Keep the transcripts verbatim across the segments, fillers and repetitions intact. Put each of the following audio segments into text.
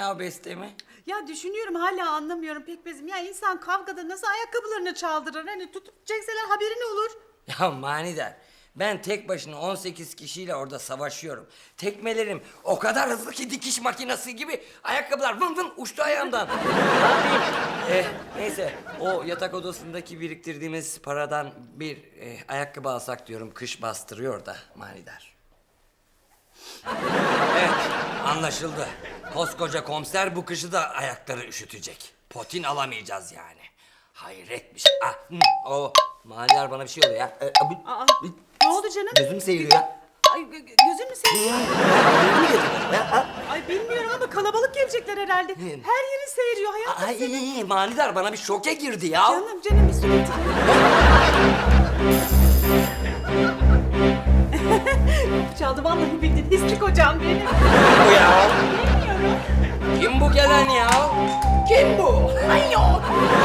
ya bestemi? Ya düşünüyorum hala anlamıyorum Pekmezim. Ya insan kavgada nasıl ayakkabılarını çaldırır? Hani tutup çekseler haberi ne olur? Ya manidar, ben tek başına on sekiz kişiyle orada savaşıyorum. Tekmelerim o kadar hızlı ki dikiş makinesi gibi ayakkabılar vın vın uçtu ayağımdan. Ne yapayım? Eh, neyse, o yatak odasındaki biriktirdiğimiz paradan bir eh, ayakkabı alsak diyorum. Kış bastırıyor da manidar. Evet, anlaşıldı. Koskoca komiser bu kışı da ayakları üşütecek. Potin alamayacağız yani. Hayret bir şey. Ah, hı, o manidar bana bir şey oluyor ya. Ee, bu- Aa, ne oldu canım? Gözüm seyiriyor ya. Ay gö- gö- gözün mü seviyor? Ay bilmiyorum ama kalabalık gelecekler herhalde. Her yerin seyiriyor hayatım. Ay manidar bana bir şoke girdi ya. Canım canım bir surat. Çaldı vallahi bildin. Hislik hocam benim. Kim bu ya? Bilmiyorum. Kim bu gelen ya? Kim bu? Ay yok.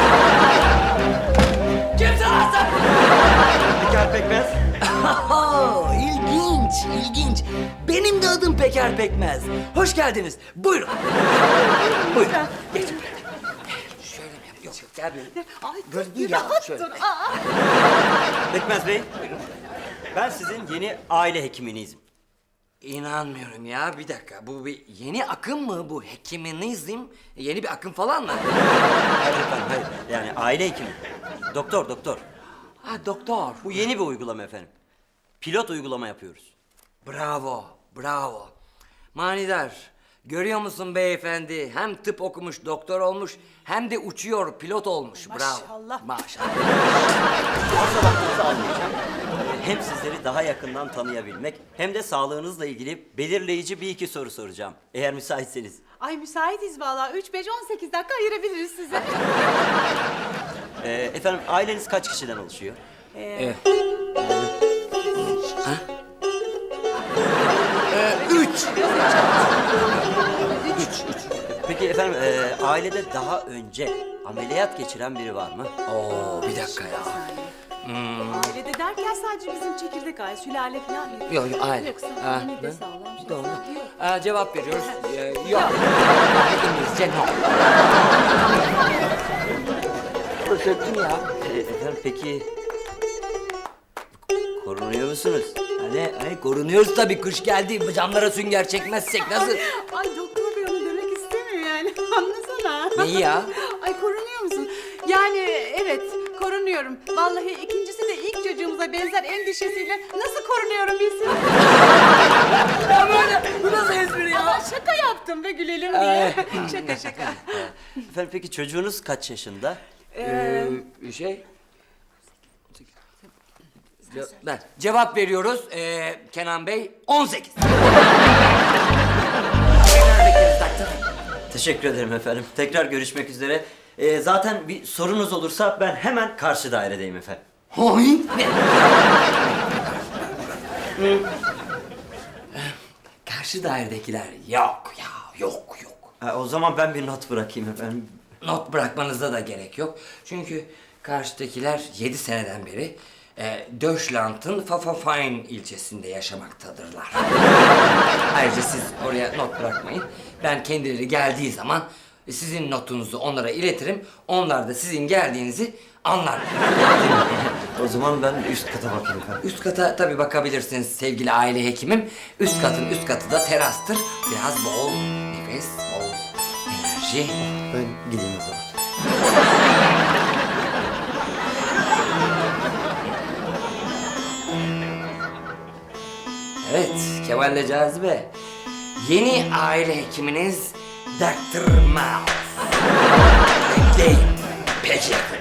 Kimsin lan sen? Peker Pekmez. Aha, ilginç, ilginç. Benim de adım Peker Pekmez. Hoş geldiniz. Buyurun. Buyurun. Geç. Şöyle mi yap? Yok yok gel böyle. Ay Böyle dur, değil bir ya, rahat şöyle. dur. Aa. Pekmez Bey. Ben sizin yeni aile hekiminizim. İnanmıyorum ya, bir dakika. Bu bir yeni akım mı bu? Hekiminizm yeni bir akım falan mı? Hayır efendim, hayır. Yani aile hekimi. Doktor, doktor. Ha doktor. Bu yeni bir uygulama efendim. Pilot uygulama yapıyoruz. Bravo, bravo. Manidar, görüyor musun beyefendi? Hem tıp okumuş, doktor olmuş, hem de uçuyor, pilot olmuş. Bravo. Maşallah. Maşallah. Fazla vaktinizi almayacağım. Hem sizleri daha yakından tanıyabilmek hem de sağlığınızla ilgili belirleyici bir iki soru soracağım. Eğer müsaitseniz. Ay müsaitiz vallahi. Üç, beş, on sekiz dakika ayırabiliriz size. Ee, efendim aileniz kaç kişiden oluşuyor? Ee, ha? Ee, üç. Üç. Peki efendim e, ailede daha önce ameliyat geçiren biri var mı? Oo, bir dakika ya. Ailede derken sadece bizim çekirdek aile, sülale falan yok. Yok, yok, aile. Yoksa Ha, mide ne? sağlam şey Doğru. sağlam. Yok. Aa, cevap veriyoruz. Ee, yok. Yani İngilizce no. Söktün ya. E, efendim peki korunuyor musunuz? Hani, hani korunuyoruz tabii, kış geldi. Camlara sünger çekmezsek nasıl? Ay doktor bey onu demek istemiyor yani. Anlasana. Neyi ya? Ay korunuyor musun? Yani evet korunuyorum. Vallahi ikincisi de ilk çocuğumuza benzer endişesiyle nasıl korunuyorum bilsin. Ya böyle, bu nasıl espri ya? Ama şaka yaptım ve gülelim diye. şaka şaka. Efendim peki çocuğunuz kaç yaşında? Ee, şey... Ce- Ben cevap veriyoruz. Ee, Kenan Bey, on sekiz. Tekrar bekleriz doktor. Teşekkür ederim efendim. Tekrar görüşmek üzere. E, zaten bir sorunuz olursa ben hemen karşı dairedeyim efendim. Hoy! Ne? Hı. Karşı dairedekiler yok ya, yok yok. Ha, o zaman ben bir not bırakayım efendim. Not bırakmanıza da gerek yok. Çünkü karşıdakiler yedi seneden beri e, Deutschland'ın Pfaffenhain ilçesinde yaşamaktadırlar. Ayrıca siz oraya not bırakmayın. Ben kendileri geldiği zaman sizin notunuzu onlara iletirim. Onlar da sizin geldiğinizi anlar. O zaman ben üst kata bakayım efendim. Üst kata tabii bakabilirsiniz sevgili aile hekimim. Üst katın üst katı da terastır. Biraz bol nefes, bol enerji. Ben gideyim o zaman. Evet, Kemal'le Cazibe. Yeni aile hekiminiz doktor Mouse. Bekleyin. Peki efendim.